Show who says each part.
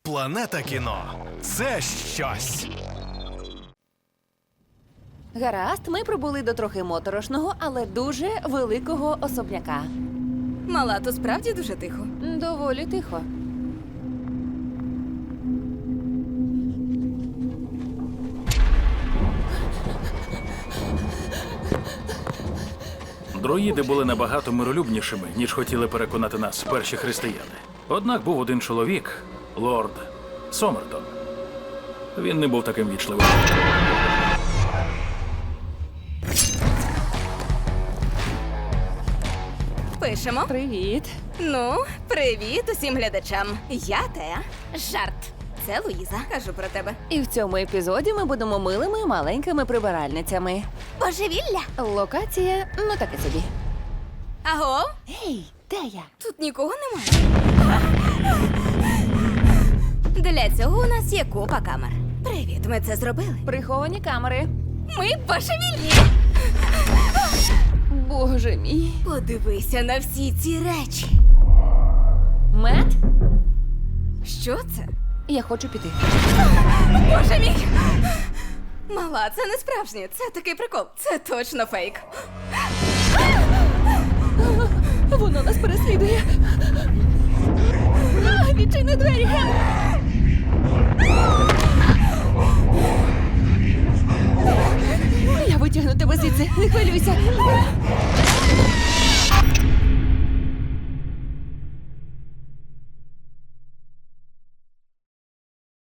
Speaker 1: Планета кіно – це щось.
Speaker 2: Гаразд, ми прибули до трохи моторошного, але дуже великого особняка.
Speaker 3: Мала, то справді дуже тихо.
Speaker 2: Доволі тихо.
Speaker 4: Друїди були набагато миролюбнішими, ніж хотіли переконати нас перші християни. Однак був один чоловік, лорд Сомертон. Він не був таким вічливим.
Speaker 3: Пишемо.
Speaker 2: Привіт.
Speaker 3: Ну, привіт усім глядачам. Я Теа. Жарт. Це Луїза. Кажу про тебе.
Speaker 2: І в цьому епізоді ми будемо милими маленькими прибиральницями.
Speaker 3: Божевілля.
Speaker 2: Локація, ну таке собі.
Speaker 3: Аго?
Speaker 2: Гей, де я?
Speaker 3: Тут нікого немає. Для цього у нас є купа камер. Привіт, ми це зробили.
Speaker 2: Приховані камери.
Speaker 3: Ми божевільні.
Speaker 2: Боже мій.
Speaker 3: Подивися на всі ці речі.
Speaker 2: Мет,
Speaker 3: Що це?
Speaker 2: я хочу піти.
Speaker 3: Боже мій! Мала, це не справжнє. Це такий прикол. Це точно фейк.
Speaker 2: Воно нас переслідує. Відчини двері. Я витягну тебе звідси, не хвилюйся.